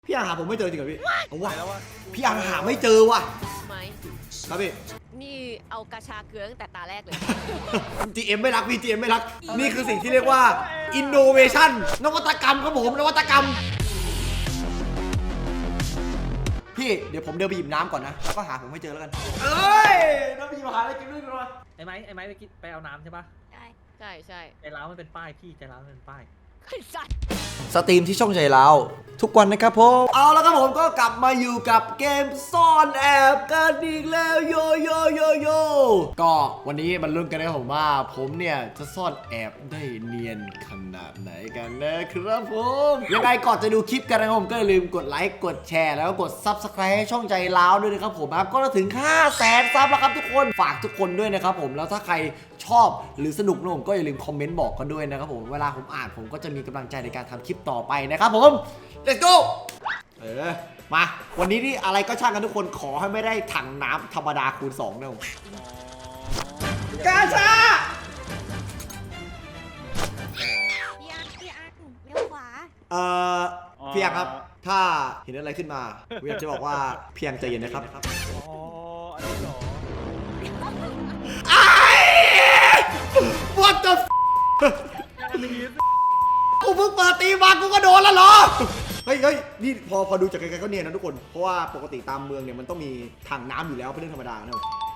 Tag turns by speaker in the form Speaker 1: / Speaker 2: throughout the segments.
Speaker 1: พี่อาหาผมไม่เจอจริงเหรอพี่เอาวะ
Speaker 2: แล้ววะ
Speaker 1: พี่อาหาไม่เจอว่ะ
Speaker 3: ไหม
Speaker 1: ครับพี่
Speaker 3: นี่เอากระชาเกลือตั้งแต่ตาแรกเลย
Speaker 1: GM ไม่รักพี่ GM ไม่รักนี่คือสิ่งที่เรียกว่า innovation นวัตกรรมครับผมนวัตกรรมพี่เดี๋ยวผมเดินไปหยิบน้ำก่อนนะแล้วก็หาผมไม่เจอแล้วกันเอ้ยเดินไปหยิบหาอะไรกินด้วยกันวะ
Speaker 2: ไอ้ไม้ไปเอาน้ำใช่ปะ
Speaker 3: ใช่ใช่
Speaker 2: ใจร้าวมันเป็นป้ายพี่ใจร้าวมันเป็นป้าย
Speaker 3: ไอ้สัตว์
Speaker 1: สตรีมที่ช่องใจเราทุกวันนะครับผมเอาแล้วครับผมก็กลับมาอยู่กับเกมซ่อนแอบกันอีกแล้วโยก็วันนี้มันลุ้นกันนะครับผมว่าผมเนี่ยจะซ่อนแอบได้เนียนขนาดไหนกันนะครับผมยังไงก่อนจะดูคลิปกันนะครับผมก็อย่าลืมกดไลค์กดแชร์แล้วก็กด Subscribe ให้ช่องใจเราด้วยนะครับผมครับก็ถึง 500,000 ซับแล้วครับทุกคนฝากทุกคนด้วยนะครับผมแล้วถ้าใครชอบหรือสนุกนะผมก็อย่าลืมคอมเมนต์บอกกันด้วยนะครับผมเวลาผมอ่านผมก็จะมีกำลังใจในการทำคลิปต่อไปนะครับผม let's go มาวันนี้นี่อะไรก็ช่างกันทุกคนขอให้ไม่ได้ถังน้ำธรรมดาคูณ2นะผมกาชา
Speaker 4: พี่อาร์ตเลี้ยวขวา
Speaker 1: พี่ยังครับถ้าเห็นอะไรขึ้นมาผมอยากจะบอกว่าเพียงใจเย็นนะครับ
Speaker 2: อ๋ออันนี้เหรอ
Speaker 1: What the กูเพิ่งเปิดตีมากูก็โดนแล้วเหรอเฮ้ยนี่พอดูจากไกลๆก็เนียนนะทุกคนเพราะว่าปกติตามเมืองเนี่ยมันต้องมีถังน้ำอยู่แล้วเป็นเรื่องธรรมดานะ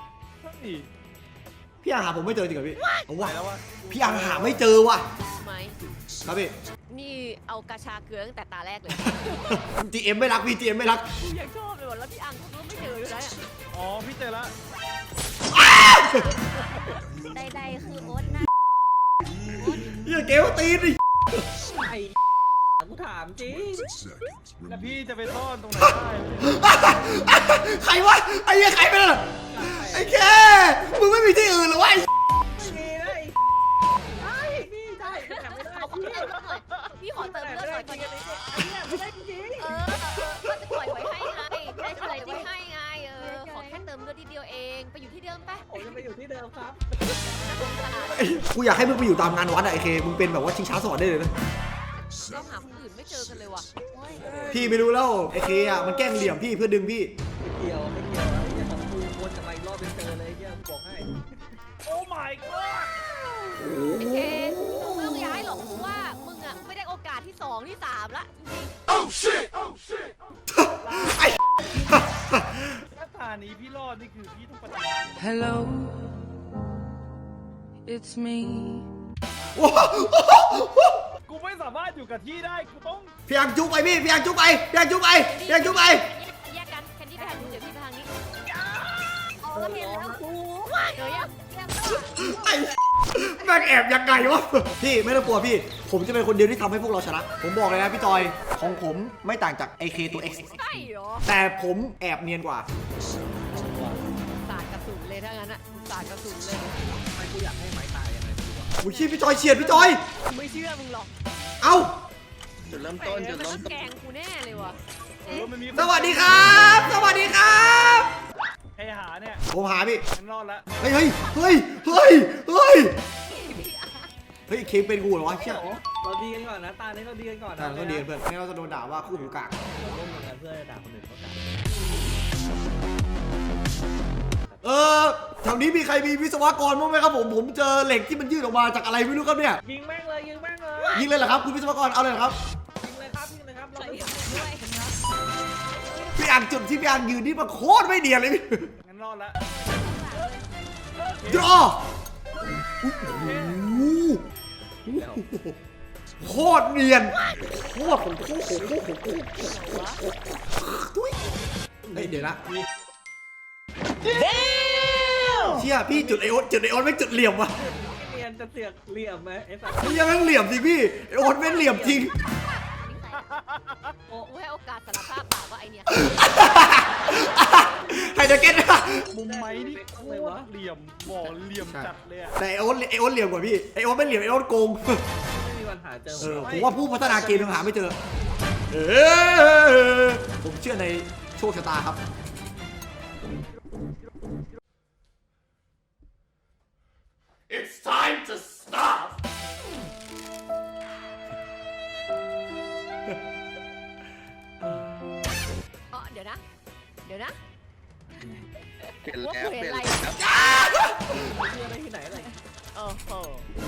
Speaker 1: พี่อาหาผมไม่เจอจริงเหรอพี่เอาวะ
Speaker 2: แล้ววะ
Speaker 1: พี่อาหาไม่เจอว่ะ
Speaker 3: ไหม
Speaker 1: ครับพี่
Speaker 3: นี่เอากระชาเกลือตั้งแต่ตาแรกเลย
Speaker 1: GM ไม่รักพี่ GM ไม่รัก
Speaker 3: กูยังชอบเลยว่ะแล้วพี่อังก็ไม่เจอเลยนะ
Speaker 2: อ๋อพี่เจอละ
Speaker 4: ใดๆคือโอ๊ตนะ
Speaker 1: อย่าเกลตีนดิ
Speaker 2: ไอ้กูถามจริงแล้วพี่จะไปซ่อนตรงไหนได้
Speaker 1: ใครวะไอ้เหี้ยใครเป็นอะไอ้แค่มึงไม่มีที่อื่นหรอวะ
Speaker 2: มีนะไอ้พี่ใช่แต่ไม่ได้
Speaker 3: เอาของเติมเลือดหน่อยพี่ขอเติมเลือดหน่อยก่อน
Speaker 2: ไม่ได้จริง
Speaker 3: ก็จะปล่อยไว้ให้ไงได้ปล่อยไว้ให้ไงขอแค่เติมเลือดทีเดียวเองไปอยู่ที่เดิมไป
Speaker 2: ผมจะไปอยู่ที่เดิมครับ
Speaker 1: กูอยากให้มึงไปอยู่ตามงานวัดอะไอ้เคมึงเป็นแบบว่าชิงช้าสวรรค์ได้เลยนะ
Speaker 3: เราหาคนอื่นไม่เจอกันเลยว่ะ
Speaker 1: พี่ไม่รู้แล้วไอ้เคอะมันแกล้งเหลี่ยมพี่เพื่อดึงพี่
Speaker 2: ไม่เกี่ยวแล้วไอ้ของกูวนจะไปรอบเป็นเจอเลยเยี่ยมบอกให้ โอ้ my god
Speaker 3: ไอ้เคมึงไม่ต้องย้ายหรอกเพราะว่ามึงอ่ะไม่ได้โอกาสที่2ที่3ละจริง
Speaker 1: ไอ้
Speaker 2: ถ้าตานี้พี่รอดนี่คือพี่ต้องปฏิ
Speaker 5: Hello, it's me.
Speaker 2: กูไม่สามารถอยู่กับที่ได้กูต้อง
Speaker 1: พี่ยังจุกไปพี่ยังจุกไปพี่ยังจุกไปพี่ยังจุกไป
Speaker 3: แยกกันแคนดี้ไปทางนู้นเดี๋ยวพี่ไปทางนี้
Speaker 4: โอ้เห็นแล้วครู
Speaker 3: เดี๋ยวยัง
Speaker 1: ไอ้แม่งแอบยังไงวะพี่ไม่ต้องกลัวพี่ผมจะเป็นคนเดียวที่ทำให้พวกเราชนะผมบอกเลยนะพี่จอยของผมไม่ต่างจาก AK ตัว X
Speaker 3: ใช่เหรอ
Speaker 1: แต่ผมแอบเนียนกว่า
Speaker 3: สาดกระสุนเลยถ้างั้นอ่ะสาดกระสุนเลย
Speaker 2: ไม่กูอยากให้ไม้ตายยังไงดีวะ
Speaker 1: อุ้ยพี่จอยเฉียดพี่จอย
Speaker 3: กูไม่เชื่อมึงหรอก
Speaker 1: เอ้า
Speaker 2: จุดเริ่ม
Speaker 3: แหม
Speaker 2: ต้นจุด
Speaker 3: มัน
Speaker 2: เริ่
Speaker 3: ก็
Speaker 2: มต้น
Speaker 3: แกงกูแน่เลยว่ะ
Speaker 2: มันมี
Speaker 1: สวัสดีครับ สวัสดีครับ
Speaker 2: ใครหาเนี่ย
Speaker 1: ผมหาพี่
Speaker 2: ฉันรอดละ
Speaker 1: เฮ้ยเคเป็นกูเหรอวะเชี่ย
Speaker 2: เราดีกันก่อนนะตานี้เราดีกันก่อนนะ
Speaker 1: ก็ดีเพื่อนไม่งั้นเราจะโดนด่าว่าคู่หูกาก
Speaker 2: เราร่วมมือกันเพื่อด่าคนอื่นเขาด่า
Speaker 1: แถวนี้มีใครมีวิศวกรบ้างไหมครับผมเจอเหล็กที่มันยื่นออกมาจากอะไรไม่รู้ครับเนี่ย
Speaker 2: ยิงแม่งเลยยิงแม่งเลย
Speaker 1: ยิงเลยเหรอครับคุณวิศวกรเอาเลยเหรอครับ
Speaker 2: ยิงเลยครับยิงเลยครับเรา
Speaker 3: ใส่
Speaker 2: ไม่
Speaker 3: ด้วย
Speaker 1: พี่อ่านจุดที่พี่อ่านยืนนี่มันโคตรไม่เนียนเลยพี่
Speaker 2: งั้นรอดละ
Speaker 1: ดรอโคตรเนียนโคตรของโคตรเฮ้ยเดี๋ยวนะเชี่ยพี่จุดไอโอนไม่จุดเหลี่ยมว่ะ
Speaker 2: เรียนจะเสือกเหลี่ยมไหมไอ้สัตว์
Speaker 1: นี่ยังเหลี่ยมจริงพี่ไอโอนไม่เหลี่ยมจริง
Speaker 3: โอ้ให้โอกาสสารภาพบาปว่าไอเนี่ย
Speaker 1: ไฮเดรเกนนะ
Speaker 2: มุมไม้นี่โคตรเหลี่ยมบ่อเหลี่ยมจัดเลยอะ
Speaker 1: แต่ไอโอนเหลี่ยมกว่าพี่ไอโอนไม่เหลี่ยมไอโอนโกง
Speaker 2: ไม่มีวันหาเจอ
Speaker 1: ผมว่าผู้พัฒนาเกมยังหาไม่เจอผมเชื่อในโชคชะตาครับ It's time to stop เ
Speaker 3: ยวนะเดี๋ยวนะ
Speaker 5: เปลี่ยน
Speaker 3: ว่า
Speaker 5: แล้ว
Speaker 3: กู
Speaker 5: เป
Speaker 3: เห็น
Speaker 5: ลี่ยน
Speaker 3: อะไร
Speaker 5: แล้ว
Speaker 2: มีอะไรที่ไหนอะไร
Speaker 3: โอ้โห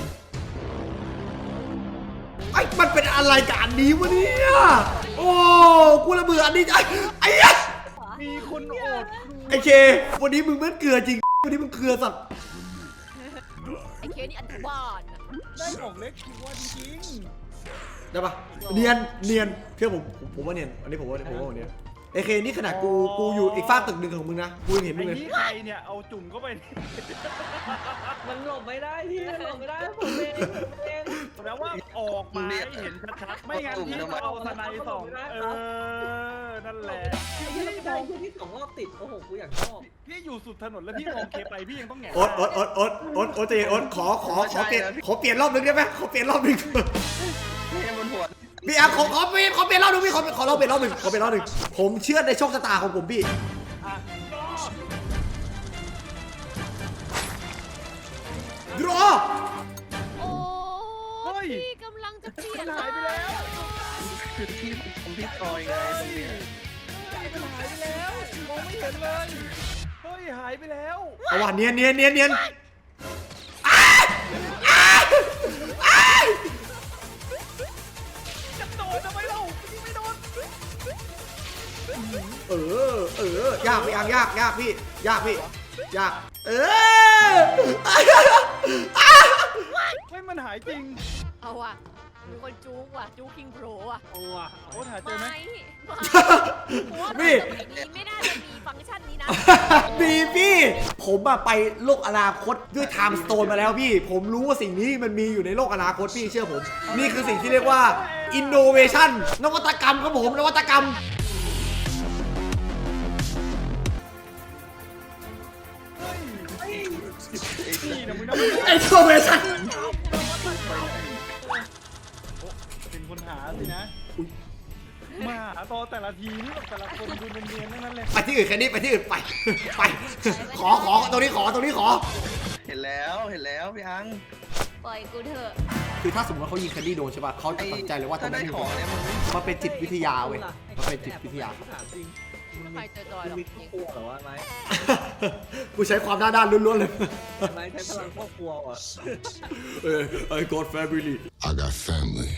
Speaker 1: ไอ้มันเป็นอะไรกับอันนี้วะเนี่ยโอ้กูระเบื่ออันนี้ไอ้เหี้ย
Speaker 2: มีคนโอด
Speaker 1: ไอ้เควันนี้มึงเหมือนเกลือจริงวันนี้มึงเกลือสัตว์
Speaker 3: ไอ้เคนี่อันธบาลอะ
Speaker 2: ได้ของเล็กคิดว่าจริง
Speaker 1: ได้ปะเนียนเชื่อผมว่าเนียนอันนี้ผมว่าเนียนไอ้เคนี่ขนาดกูอยู่อีกฝากตึกหนึ่งของมึงนะกูยังเห็นมึ
Speaker 6: ไอ้
Speaker 1: งเลย
Speaker 6: นี่ใครเนี่ยเอาจุ่มเข้าไป
Speaker 2: มันหลบไม่ได้พี่มันหลบไม่ได้ผมเอง
Speaker 6: แล้วว่าออกมาให้เห็นชัดๆไม่งั้นพี่ก็เอาสไนด์ส่องนั่นแหละ
Speaker 2: พี่ได้ที่2 รอบติดโอ้โหกูอยากชอบ
Speaker 6: พี่อยู่สุดถนนแล้วพี่มองเคไปพี่ยังต้องแหง
Speaker 1: โอ๊ตใจเย็นโอ๊ตขอเปลี่ยนรอบนึงได้ไหมขอเปลี่ยนรอบนึง
Speaker 5: นี่บนหัว
Speaker 1: พี่ขอเปลี่ยนรอบนึงพี่ขอเราเปลี่ยนรอบนึงผมเชื่อในโชคชะตาของผมพี่รอ
Speaker 3: โอ้พี่กำลังจะเปลี่ยน
Speaker 6: หายไปแล้ว
Speaker 5: คือที่ผมที่ซอยไงตรงเนี้ย
Speaker 6: มันหายไปแล้วมองไม่เห็นเลยเฮ้ยหายไปแล้ว
Speaker 1: เอาว่ะเนียน
Speaker 6: จะโดนทำไมเราพี่ไม่โดน
Speaker 1: ยากพี่อังยากพี่ยาก
Speaker 6: เฮ้ยมันหายจริง
Speaker 3: เอาว่ะมีคนจู๊กว่ะจู๊กคิงโปรว่ะ
Speaker 2: โอ้อะ
Speaker 6: โอ้หาเจอไหม
Speaker 3: ไม่สมัยนี้ไม่น่าจะมีฟังก์ชันนี้นะ
Speaker 1: มีพี่ผมอะไปโลกอนาคตด้วยไทม์สโตนมาแล้วพี่ผมรู้ว่าสิ่งนี้มันมีอยู่ในโลกอนาคตพี่เชื่อผมนี่คือสิ่งที่เรียกว่า innovation นวัตกรรมครับผมนวัตกรรม
Speaker 6: นี่นะมึงนะ
Speaker 1: innovation
Speaker 6: เป็นคนหาสินะมาหาตอแต่ละทีนี่แบบแต่ละคนดูเนียนๆทั้งนั้นเลย
Speaker 1: ไปที่อื่นแค่นี้ไปที่อื่นไปขอตรงนี้ขอ
Speaker 5: เห็นแล้วพี่อัง
Speaker 3: ปล่อยกูเถอะ
Speaker 1: คือถ้าสมมติว่าเขายิงแคนดี้โดนใช่ป่ะเขาจะตัดใจเลยว่าตรง
Speaker 5: ถ้า
Speaker 1: นั้
Speaker 5: ได้
Speaker 1: นมี
Speaker 5: ของเนี่ยมัน
Speaker 1: มันเป็นจิตวิทยาเว้ยมันเป็นจิตวิทยา
Speaker 2: ถามจริง
Speaker 3: ไม่ใครจอยๆหรอก
Speaker 2: มีครอบครัวเหรอวะไม้
Speaker 1: กูใช้ความด้านล้วนๆเลย
Speaker 2: ไม้ใช้พลังครอบครัวเหรอ
Speaker 1: I got family
Speaker 7: I got family.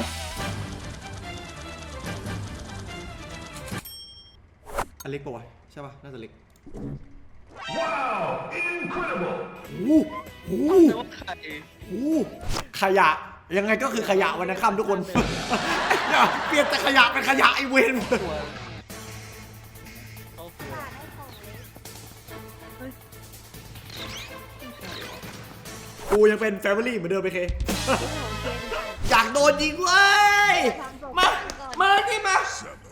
Speaker 1: อันเล็กป่ะวะใช่ป่ะน่าจะเล็กว้าว incredible โอ้
Speaker 5: แต่ว่าใคร
Speaker 1: โหขยะยังไงก็คือขยะวันนั้นค่ำทุกคน อย่าเปลี่ยนแต่ขยะเป็นขยะไอเวน
Speaker 5: ตัว
Speaker 2: ครอบครัว
Speaker 4: ได้ของเล็ก
Speaker 1: กูยังเป็น family เหมือนเดิมไปเค
Speaker 4: ของเกมค่ะ
Speaker 1: อยากโดนยิงเว้ยมาที่มา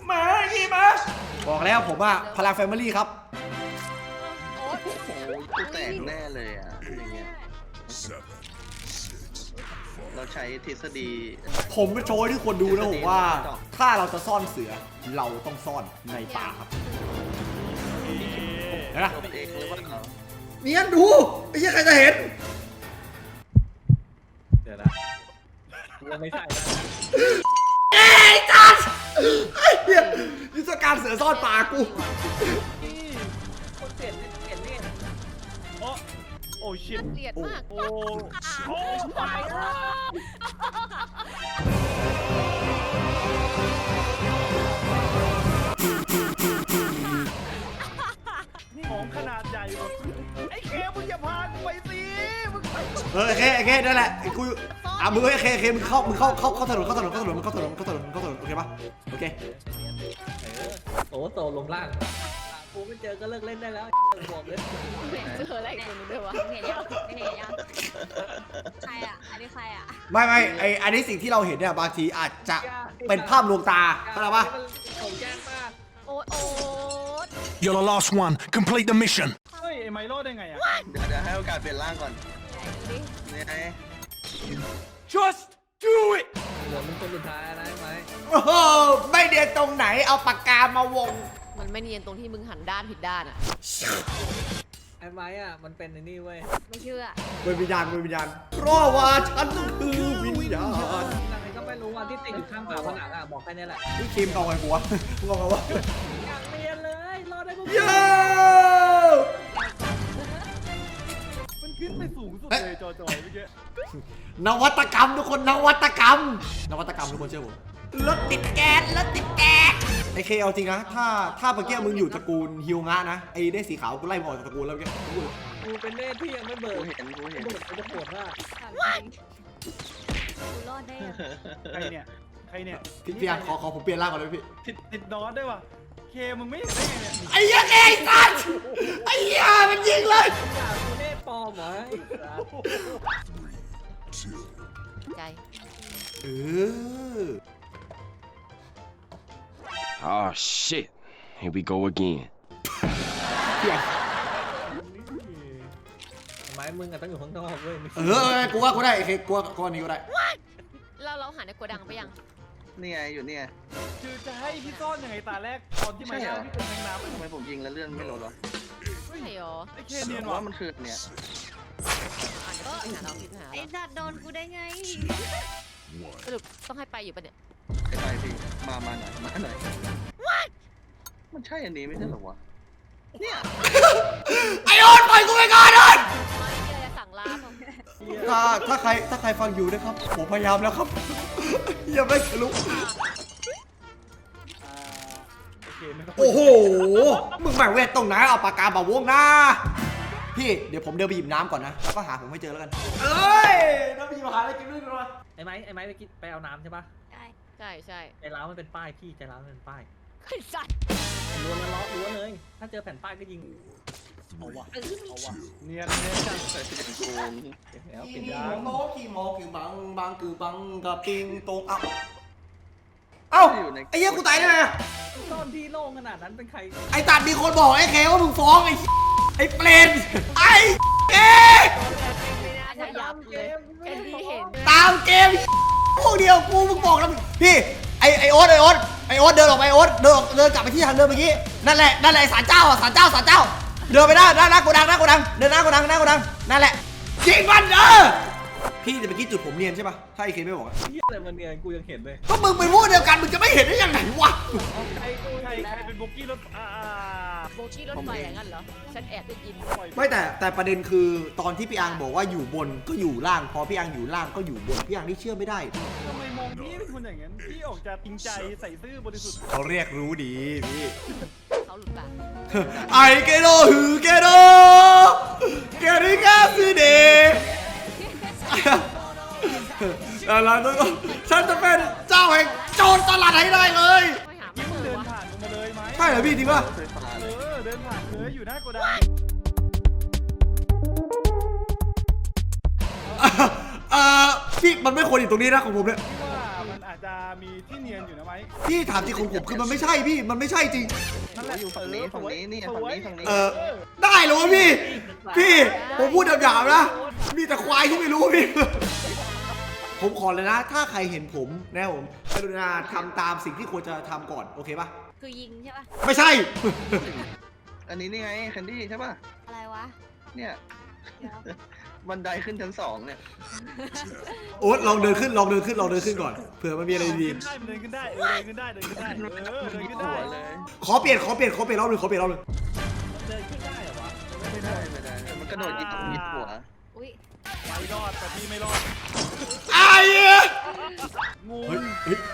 Speaker 1: บอกแล้วผมว่าพลัง family ครับ
Speaker 3: โอ๊ต
Speaker 5: โอ้ยกูแตกแน่เลยอ่ะอย่างเงี้ย
Speaker 7: 7, 6,
Speaker 5: เราใช้ทฤษฎี
Speaker 1: ผมจะโชว์ให้ทุกคนดูนะผมว่า ถ้าเราจะซ่อนเสือเราต้องซ่อนในป่าครับเห็นไหม
Speaker 5: ตัวเองหรือเปล่า
Speaker 1: เนียนดูไอ้เหี้ยใครจะเห็น
Speaker 2: เดี๋ยวนะเราไม่ใช่แล้ว
Speaker 1: เอ้ยจัดไอ้เหี้ยยุทธการเสือซ่อนป่ากู
Speaker 2: คนเปลี่ยนนี่
Speaker 6: โอ้ชิต
Speaker 3: เกลียดมาก
Speaker 6: โอ้โอ้ตายของขนาดใหญ่หมดไอ้เคมึงอย่าพากูไปสิมึงไป
Speaker 1: โอเคนั่นแหละกูมึงโอเคมึงเข้าถนนโอเคปะโอเค
Speaker 2: โอ้โตลงล่างกูไม่เจอก็เลิกเล่นได้แล้วบอกเลย
Speaker 3: เจออะไรคนนึงด้วยวะ
Speaker 4: เห็นยังใครอ่ะอันนี้ใครอ่ะ
Speaker 1: ไม่ไออันนี้สิ่งที่เราเห็นเนี่ยบางทีอาจจะเป็นภาพลวงตาเข้าใจปะ
Speaker 2: ผมแจ้งมาก
Speaker 3: โอ๊ต
Speaker 7: You're the last one. Complete the mission.
Speaker 6: เฮ้ยไอ้ไมโลได้ไงอ่ะ
Speaker 5: เดี๋ยวให้โอกาสเปลี่ยนร่างก่อน
Speaker 3: ไหนดูดิ
Speaker 5: นี่ไง
Speaker 1: just do it
Speaker 2: เหลือมึงคนสุดท้ายนะไหม
Speaker 1: โอ้โหไม่เดียนตรงไหนเอาปากกามาวง
Speaker 3: มันไม่เนียนตรงที่มึงหันด้านผิดด้านอ่ะ
Speaker 2: ไอ้ไม้อ่ะมันเป็นไอ้นี่เว้ย
Speaker 3: ไม่เชื่อ
Speaker 1: เป็นวิญญาณเพราะว่าฉันคือวิญญาณ
Speaker 2: อะไรก็ไม่รู้ว่าที่ติดอยู่ข้างฝาผนังอ่ะบอกแค่นี้แหละ
Speaker 1: นี่คิมเอาไงกูวะมึงเอาไงวะ
Speaker 2: อยากเรียนเลย
Speaker 1: โย่
Speaker 6: มันขึ้นไปสูงสุดเลยจอยเมื่อกี้
Speaker 1: นวัตกรรมทุกคนนวัตกรรมทุกคนเชื่อผมรถติดแก๊สไอเคเอาจริงนะถ้าเมื่อกี้มึงอยู่ตระกูลฮิวงะนะไอได้สีขาวกูไล่มึงออกจากตระกูลแล้วเมื่อกี้
Speaker 2: กูเป็นเนตที่ยังไม่เบิ
Speaker 5: กู
Speaker 2: ก
Speaker 5: เห็น
Speaker 2: กูจะปวดมาก
Speaker 4: กูรอดได้ยัง
Speaker 6: ใครเนี่ย
Speaker 1: พี่อันขอผมเปลี่ยนร่างก่อนเลยพี่
Speaker 6: ติดนอนด้วยวะเคมึงไม่เห็นได้ไงเนี่ย
Speaker 1: ไอ้เหี้ยไอ้สัตว์ไอ้เหี้ยมันยิงเลย
Speaker 2: ด่ากูเนตปลอมเหรอไอ้สัส
Speaker 3: ใจ
Speaker 1: เออ
Speaker 8: Oh shit. Here we go again.
Speaker 1: พี่อัน
Speaker 2: ทำไมมึงอะต้องอยู่ข้างนอกเว้ยไม่
Speaker 1: กูว่ากูได้ไอเคกูว่านี้กูได้
Speaker 3: เราหาในโกดังไปยัง
Speaker 5: นี่ไงอยู่เนี่ย
Speaker 6: คือจะให้พี่ซ่อนยังไงตาแรกตอนที่มาย่างพี่เป็นแมงน้ำ
Speaker 5: ทำไมผมยิงแล้วเลื่อนไม่ลดหรอ
Speaker 3: ใช่หรอ
Speaker 6: ไอ้เคเนียน
Speaker 5: ผม
Speaker 6: วะ
Speaker 5: ว่ามันคือเนี่ย
Speaker 3: อ่านก็หาเราผิดหา
Speaker 4: ไอ้
Speaker 3: เรา
Speaker 4: สัตว์โดนกูได้ไง
Speaker 3: สรุปต้องให้ไปอยู่ปะเนี่ย
Speaker 5: ไปพี่มาหน่อยมันใช่อันนี้ไม่ใช่หรอวะเนี่ย
Speaker 1: ไอโอนปล่อยกูไปก่อนโอน
Speaker 3: ไม่มีอะไรจะสั่งลาผม
Speaker 1: ถ้าใครฟังอยู่นะครับผมพยายามแล้วครับอย่าไม่ทะลุ
Speaker 6: โอเคไม่ต้อง
Speaker 1: โอ้โหมึงแหม่งเวทตรงไหนเอาปากกาบ่าวงนะพี่เดี๋ยวผมเดินไปหยิบน้ำก่อนนะแล้วก็หาผมให้เจอแล้วกันเอ้ยน้ำไปหยิบหาอะไรกินด้วยกันวะ
Speaker 2: ไอ้ไม้ไปเอาน้ำใช่ปะ
Speaker 3: ใช่
Speaker 2: ใจร้าวมันเป็นป้ายพี่ใจร้าวมันเป็นป้าย
Speaker 3: ไอ้สัตว์
Speaker 2: ล้วนแล้วล้วนเลย ถ้าเจอแผ่นป้ายก็ยิง
Speaker 6: เอาวะเนียนจัง
Speaker 5: ใส่เป็นโกง
Speaker 2: เก็บแล้ว
Speaker 1: ขี่
Speaker 2: เก็บ
Speaker 1: โม
Speaker 2: ยา
Speaker 1: โมขี่โมคือบังคือบังกับปิงตรงเอ้าไอ้เหี้ยกูตายได้ไง
Speaker 2: ซ่อนที่โล่งขนาดนั้นเป็นใคร
Speaker 1: ไอ้ตัดมีคนบอกไอ้เคว่ามึงฟ้องไอ้เปรนไอ้เก
Speaker 3: ขยับเลยแค่ที่เห็น
Speaker 1: ตามเกมพวกเดียวกูมึงบอกแล้วพี่ไอโอ๊ตเดินออกไปโอ๊ตเดินกลับไปที่ทางเดินเมื่อกี้นั่นแหละศาลเจ้าเดินไปหน้าโกดังเดินหน้าโกดังนั่นแหละยิงมันพี่แต่เมื่อกี้จุดผมเนียนใช่ปะถ้าไอเคไม่บอก
Speaker 2: เฮียอะไรมันเนี่ยกูยังเห็นเลย
Speaker 1: ก็มึงเป็นพวกเดียวกันมึงจะไม่เห็นได้ยังไงวะ
Speaker 6: ใครเป็นโบกี้รถ
Speaker 3: โบกี้รถไฟอย่างนั้นเหรอฉันแอบได้ยิน
Speaker 1: ไม่แต่ประเด็นคือตอนที่พี่อังบอกว่าอยู่บนก็อยู่ล่างพอพี่อังอยู่ล่างก็อยู่บนพี่อังนี่เชื่อไม่ได้
Speaker 6: ทำไมมองพี่เป็นคนอย่างนั้นพี่ออกจะจริงใจใส่ซื่อบริสุทธิ์
Speaker 1: เขาเรียกรู้ดีพี่
Speaker 3: เขาหลุดปาก
Speaker 1: ไอเกโดฮือเกโดเกริกาซูเดอะไรตัวฉันจะเป็นเจ้าแห่งโจรตลาดให้ได้เลย
Speaker 3: ไม่หา
Speaker 6: ที่
Speaker 3: ไม่
Speaker 6: มึง
Speaker 3: เจ
Speaker 6: เดิ
Speaker 3: อน วะ
Speaker 6: ผ่านมาเลยไหม
Speaker 1: ใช่เหรอพี่จริงป่ะ
Speaker 5: เคยผ่านเลย
Speaker 6: เดินผ่านเลยอยู่หน้าโกดัง
Speaker 1: พี่มันไม่ควรอยู่ตรงนี้นะของผมเนี่ย
Speaker 6: พี่ว่ามันอาจจะมีที่เนียนอยู่นะไหม
Speaker 1: พี่ถามจริงของผมคือมันไม่ใช่พี่มันไม่ใช่จริง
Speaker 6: นั่นแหละ
Speaker 5: อยู่ฝั่งนี้นี่ฝั่งนี้
Speaker 1: ได้เหรอวะพี่ผมพูดหยาบๆนะมีแต่ควายที่ไม่รู้พี่ผมขอเลยนะ ถ้าใครเห็นผมนะผมกรุณาทำตามสิ่งที่ควรจะทำก่อนโอเคป่ะ
Speaker 4: คือยิงใช่ปะ
Speaker 1: ไม่ใช่
Speaker 5: อันนี้นี่ไงแคนดี้ใช่ป่ะ
Speaker 4: อะไรวะ
Speaker 5: เนี่ย
Speaker 4: เดี๋ยว
Speaker 5: บันไดขึ้นชั้น2เนี่ย
Speaker 1: โอ๊ตลองเดินขึ้นก่อนเผื่อมันมีอะไรดี
Speaker 6: มันเดินขึ้นได้เดินขึ้นได้เดินขึ้นได้เดินขึ้นได้
Speaker 5: เลย
Speaker 1: ขอเปลี่ยนรอบหนึ่ง
Speaker 2: เดินขึ้นได้เหรอวะ
Speaker 5: ไม่ได้มันกระโดดยิงหัว
Speaker 4: อุ้ย
Speaker 6: ไม่รอดแต่พี่ไม่รอด
Speaker 1: ไอ้เหี้ย
Speaker 6: งู
Speaker 1: เฮ้ย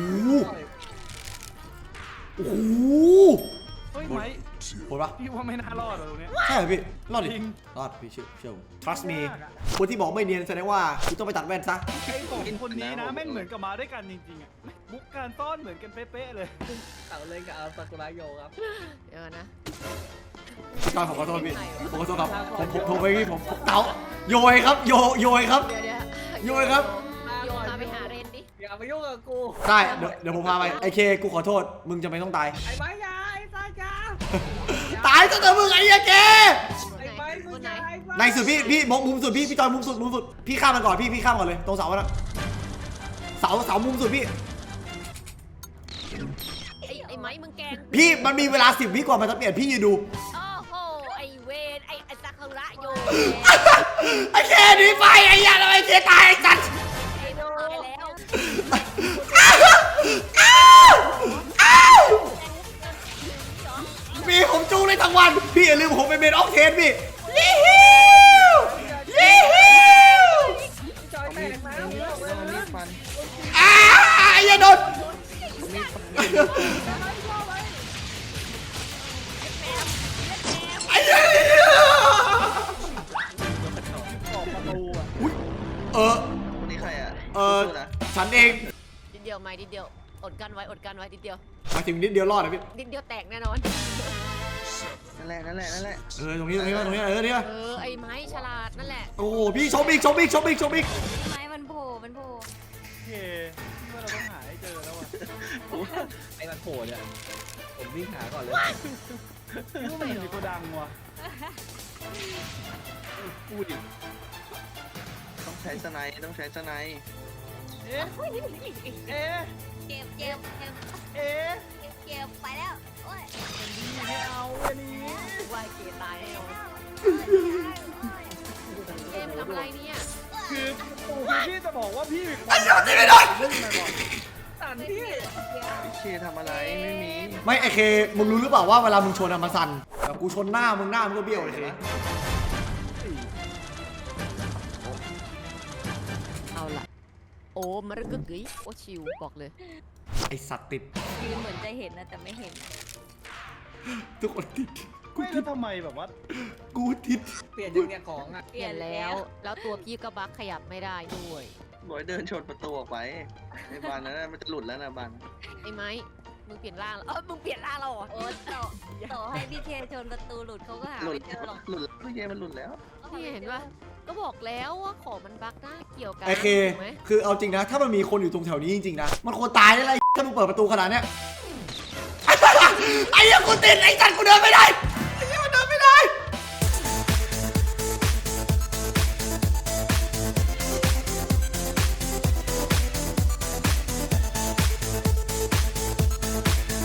Speaker 1: โอ้โห
Speaker 6: เฮ้ยไหม
Speaker 1: โหดปะ
Speaker 6: พี่ว่าไม่น่ารอดตรงนี้
Speaker 1: ใช่เหรอพี่รอดดิ
Speaker 6: จริง
Speaker 1: รอดพี่เชื่อผม trust me คนที่บอกไม่เนียนแสดงว่าคุณต้องไปตัดแว่นซะ
Speaker 6: ไอ้สองคนนี้นะแม่งเหมือนกับมาด้วยกันจริงๆอ่ะบุกการต้อนเหมือนกันเป๊ะๆเลย
Speaker 2: เขาเลยกับเอาซากุระโยครับ
Speaker 3: เดี๋ยวนะ
Speaker 1: พี่กอนผมขอโทษพี่ผมขอโทษครับผมไปพี่ผมเต๋าโยยครับโยยครับ
Speaker 3: เดี๋ยว
Speaker 1: โยยครับ
Speaker 3: โยนมาไปหาเรนดิ
Speaker 2: อย่ามายุ่งกับกู
Speaker 1: ได้เดี๋ยวผมพาไปไอเคกูขอโทษมึงจะไม่ต้องตาย
Speaker 2: ไอ้ไม้ยาไอ้ซาจ้า
Speaker 1: ตายซะเถอะมึงไอ้เหี้ยเก
Speaker 2: ไอ้ไม้มึงยาไอ้ไม้
Speaker 1: ในสุดพี่มุมสุดพี่จอยมุมสุดพี่ข้ามมันก่อนพี่ข้ามก่อนเลยตรงเสาอะนะเสามุมสุดพี่
Speaker 3: ไอ้ไม้มึงแกง
Speaker 1: พี่มันมีเวลา10 วิก่อนมันจะเปลี่ยนพี่ยืนดู
Speaker 3: โอ้โหไอ้เวนไอ้ซากุระโยน
Speaker 1: ไอ้เคหนีไปไอ้ยาทำไมเคตายไอ้สัตว์
Speaker 3: ไอ้โดนไปแล้ว
Speaker 1: พี่ผมจูงเลยได้ทั้งวันพี่อย่าลืมผมเป็นเมนออกเทนพี่ยี่ฮิวยี่ฮิว
Speaker 2: พี่จอยแตกนะ
Speaker 5: เอามีดฟัน
Speaker 1: อย่าโดนไอ้เหี้ย
Speaker 6: ออกประตูอ่ะ
Speaker 1: อุ๊ย
Speaker 5: คนนี้ใครอ่ะ สู้นะ
Speaker 1: ฉันเอง
Speaker 3: นิดเดียวไม่นิดเดียวอดกันไว้อดกันไว้นิดเดียว
Speaker 1: มาถึงนิดเดียวรอดนะพี่
Speaker 3: นิดเดียวแตกแน่นอน
Speaker 5: นั่นแหละ
Speaker 1: ตรงนี้ตรงนี้เนี่ย
Speaker 3: ไอ้ไม้ฉลาดนั่นแหละ
Speaker 1: โอ้โหพี่ชมอีก
Speaker 4: ไม้มันโผล่มันโผล่
Speaker 6: โอเคว่าเราต้องหาให้เจอแล้วอ่ะ
Speaker 2: ไอ้มันโผล่เนี่ยผมวิ่งหาก่อนเลย
Speaker 6: คิดว่ามันอยู่ในโกดังว่ะ
Speaker 2: พูดดิ
Speaker 5: ต้องใช้สไนด์ต้องใช้สไนด์
Speaker 6: เอ๊ะเอ๊ะ
Speaker 4: เจ็บเจ็บเจ็บ
Speaker 6: เอ๊ะ
Speaker 4: เจ็บเจ็บไปแล้วโอ้ย
Speaker 6: ไม่เอาอันนี้
Speaker 3: วายเกตายแน่นอนเกมทำอะไรเนี่ย
Speaker 6: คือพี่จะบอกว่าพี่
Speaker 1: ไอ้เหี้ยตีไม่โดน
Speaker 6: เล่นมาก่อน
Speaker 2: ตันพี่
Speaker 5: พี่เคทำอะไรไม่มี
Speaker 1: ไม่ไอเคมึงรู้หรือเปล่าว่าเวลามึงชนอะมาสั่นแบบกูชนหน้ามึงก็เบี้ยวไอเค
Speaker 3: เอาล่ะโอ้มรึกกึ๋ยโอ้ชิวบอกเลย
Speaker 1: ไอสัตว์ติด
Speaker 4: ยืนเหมือนจะเห็นนะแต่ไม่เห็น
Speaker 1: ทุกคนติด
Speaker 6: ไม่แล้วทำไมแบบว่า
Speaker 1: กูติด
Speaker 2: เปลี่ยนยังเนี่ยของอ่ะ
Speaker 3: เปลี่ยนแล้วแล้วตัวพี่ก็บักขยับไม่ได้ด้วย
Speaker 5: บอยเดินชนประตูออกไปไอ้บานนั้นมันจะหลุดแล้วนะบาน
Speaker 3: ไอ้ไม้มึงเปลี่ยนร่างแล้วมึงเปลี่ยนร่างเราเหรอ
Speaker 4: โอ้ต่อให้พี่เคชนประตูหลุดเขาก็หา
Speaker 5: หลุด
Speaker 4: ไม่เจอหรอก
Speaker 5: หลุดพี่เคมันหลุดแล้ว
Speaker 3: นี่เห็นปะก็บอกแล้วว่าของมันบักนะเกี่ยวกัน
Speaker 1: ไอเค
Speaker 3: ถูกไหม
Speaker 1: คือเอาจริงนะ ถ้ามันมีคนอยู่ตรงแถวนี้จริงๆนะมันควรตายได้เลยถ้ามึงเปิดประตูขนาดเนี้ยไอ้เหี้ยกูติดไอ้สัตว์กูเดินไม่ได้